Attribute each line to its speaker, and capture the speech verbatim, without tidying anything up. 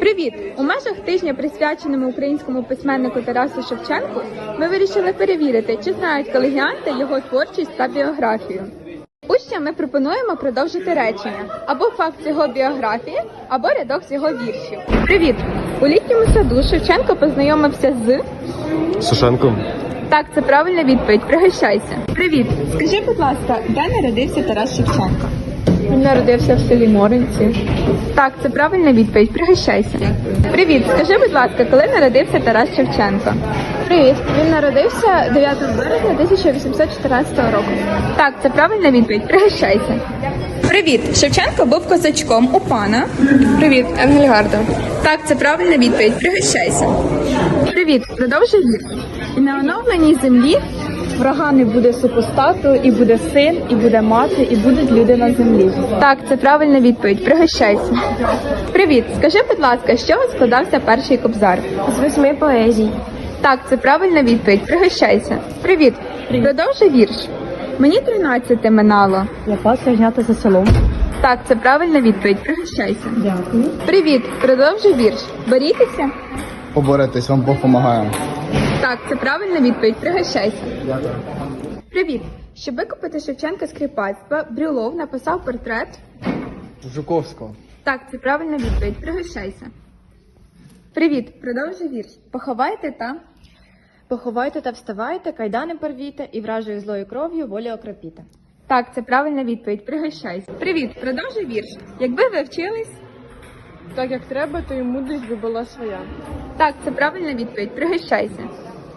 Speaker 1: Привіт! У межах тижня, присвяченому українському письменнику Тарасу Шевченку, ми вирішили перевірити, чи знають колегіанти його творчість та біографію. Учням ми пропонуємо продовжити речення або факт з його біографії, або рядок з його віршів. Привіт! У літньому саду Шевченко познайомився з...
Speaker 2: Сушенком.
Speaker 1: Так, це правильна відповідь. Пригощайся. Привіт! Скажи, будь ласка, де народився Тарас Шевченко?
Speaker 3: Він народився в селі Моринці.
Speaker 1: Так, це правильна відповідь. Пригощайся. Привіт! Скажи, будь ласка, коли народився Тарас Шевченко?
Speaker 3: Привіт! Він народився дев'ятого березня тисяча вісімсот чотирнадцятого року.
Speaker 1: Так, це правильна відповідь. Пригощайся. Привіт! Шевченко був козачком у пана.
Speaker 3: Привіт, Енгельгарда.
Speaker 1: Так, це правильна відповідь. Пригощайся. Привіт! Продовжуй вірш. І на оновленій землі
Speaker 3: Врага не буде супостату, і буде син, і буде мати, і будуть люди на землі.
Speaker 1: Так, це правильна відповідь. Пригощайся. Привіт! Скажи, будь ласка, з чого складався перший кобзар?
Speaker 3: З восьми поезій.
Speaker 1: Так, це правильна відповідь. Пригощайся. Привіт! Продовжуй вірш. Мені тринадцяте минало.
Speaker 3: Я пасся знята за селом.
Speaker 1: Так, це правильна відповідь. Пригощайся.
Speaker 3: Дякую.
Speaker 1: Привіт! Продовжуй вірш. Борітеся?
Speaker 2: Поборитись, вам Бог помагає.
Speaker 1: Так, це правильна відповідь. Пригощайся. Привіт! Щоб викупити Шевченка з кріпацтва, Брюлов написав портрет.
Speaker 2: Жуковського.
Speaker 1: Так, це правильна відповідь. Пригощайся. Привіт! Продовжуй вірш. Поховайте та...
Speaker 3: Поховайте та вставайте, кайдани порвіте, і вражою злою кров'ю волі окропіте.
Speaker 1: Так, це правильна відповідь. Пригощайся. Привіт! Продовжуй вірш. Якби ви вчились...
Speaker 3: Так як треба, то і мудрість би була своя.
Speaker 1: Так, це правильна відповідь. Пригощайся.